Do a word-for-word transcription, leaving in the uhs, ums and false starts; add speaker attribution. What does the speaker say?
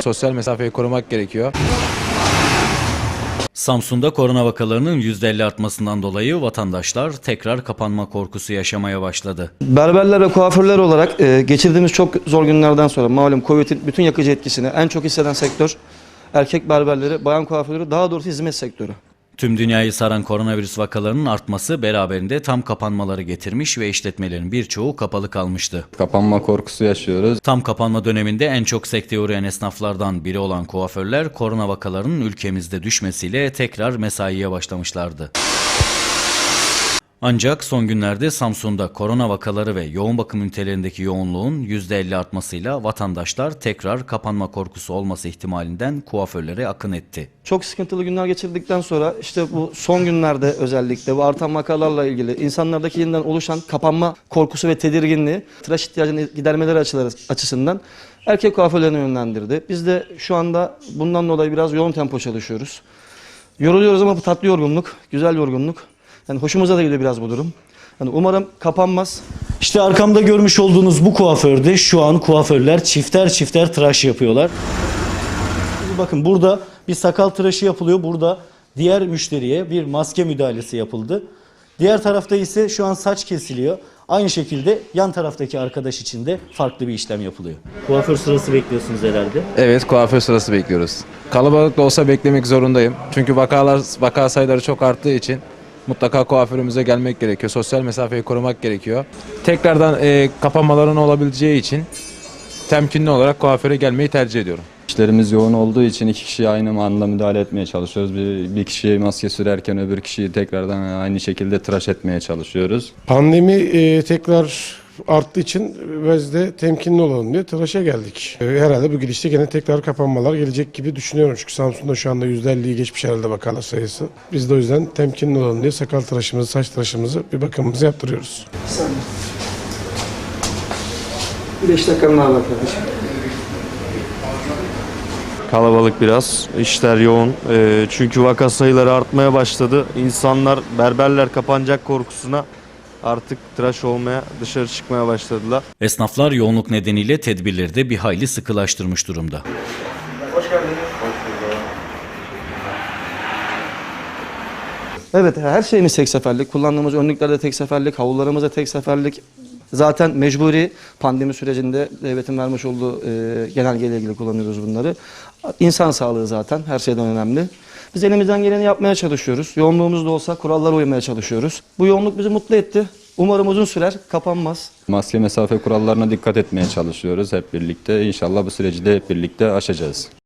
Speaker 1: Sosyal mesafeyi korumak gerekiyor.
Speaker 2: Samsun'da korona vakalarının yüzde elli artmasından dolayı vatandaşlar tekrar kapanma korkusu yaşamaya başladı.
Speaker 3: Berberler ve kuaförler olarak e, geçirdiğimiz çok zor günlerden sonra malum Covid'in bütün yakıcı etkisini en çok hisseden sektör erkek berberleri, bayan kuaförleri, daha doğrusu hizmet sektörü.
Speaker 2: Tüm dünyayı saran koronavirüs vakalarının artması beraberinde tam kapanmaları getirmiş ve işletmelerin birçoğu kapalı kalmıştı.
Speaker 4: Kapanma korkusu yaşıyoruz.
Speaker 2: Tam kapanma döneminde en çok sekteye uğrayan esnaflardan biri olan kuaförler korona vakalarının ülkemizde düşmesiyle tekrar mesaiye başlamışlardı. Ancak son günlerde Samsun'da korona vakaları ve yoğun bakım ünitelerindeki yoğunluğun yüzde elli artmasıyla vatandaşlar tekrar kapanma korkusu olması ihtimalinden kuaförlere akın etti.
Speaker 3: Çok sıkıntılı günler geçirdikten sonra işte bu son günlerde özellikle bu artan vakalarla ilgili insanlardaki yeniden oluşan kapanma korkusu ve tedirginliği tıraş ihtiyacını gidermeleri açısından erkek kuaförlerine yönlendirdi. Biz de şu anda bundan dolayı biraz yoğun tempo çalışıyoruz. Yoruluyoruz ama bu tatlı yorgunluk, güzel yorgunluk. Yani hoşumuza da gidiyor biraz bu durum. Yani umarım kapanmaz.
Speaker 5: İşte arkamda görmüş olduğunuz bu kuaförde şu an kuaförler çifter çifter tıraş yapıyorlar. Bakın burada bir sakal tıraşı yapılıyor. Burada diğer müşteriye bir maske müdahalesi yapıldı. Diğer tarafta ise şu an saç kesiliyor. Aynı şekilde yan taraftaki arkadaş için de farklı bir işlem yapılıyor. Kuaför sırası bekliyorsunuz herhalde.
Speaker 1: Evet, kuaför sırası bekliyoruz. Kalabalık da olsa beklemek zorundayım. Çünkü vakalar vaka sayıları çok arttığı için mutlaka kuaförümüze gelmek gerekiyor. Sosyal mesafeyi korumak gerekiyor. Tekrardan e, kapanmaların olabileceği için temkinli olarak kuaföre gelmeyi tercih ediyorum.
Speaker 4: İşlerimiz yoğun olduğu için iki kişiye aynı anda müdahale etmeye çalışıyoruz. Bir, bir kişiye maske sürerken öbür kişiyi tekrardan aynı şekilde tıraş etmeye çalışıyoruz.
Speaker 6: Pandemi e, tekrar arttığı için biz de temkinli olalım diye tıraşa geldik. E, herhalde bu gidişte gene tekrar kapanmalar gelecek gibi düşünüyorum. Çünkü Samsun'da şu anda yüzde elliyi geçmiş herhalde vakalar sayısı. Biz de o yüzden temkinli olalım diye sakal tıraşımızı, saç tıraşımızı, bir bakımımızı yaptırıyoruz.
Speaker 3: beş dakikanın daha var kardeşim.
Speaker 7: Kalabalık biraz, işler yoğun. E, çünkü vaka sayıları artmaya başladı. İnsanlar, berberler kapanacak korkusuna artık tıraş olmaya, dışarı çıkmaya başladılar.
Speaker 2: Esnaflar yoğunluk nedeniyle tedbirleri de bir hayli sıkılaştırmış durumda.
Speaker 3: Hoş geldiniz. Evet, her şeyimiz tek seferlik. Kullandığımız önlükler de tek seferlik, havlularımız da tek seferlik. Zaten mecburi pandemi sürecinde devletin vermiş olduğu e, genelgeyle ilgili kullanıyoruz bunları. İnsan sağlığı zaten her şeyden önemli. Biz elimizden geleni yapmaya çalışıyoruz. Yoğunluğumuz da olsa kurallara uymaya çalışıyoruz. Bu yoğunluk bizi mutlu etti. Umarım uzun sürer, kapanmaz.
Speaker 4: Maske mesafe kurallarına dikkat etmeye çalışıyoruz hep birlikte. İnşallah bu süreci de hep birlikte aşacağız.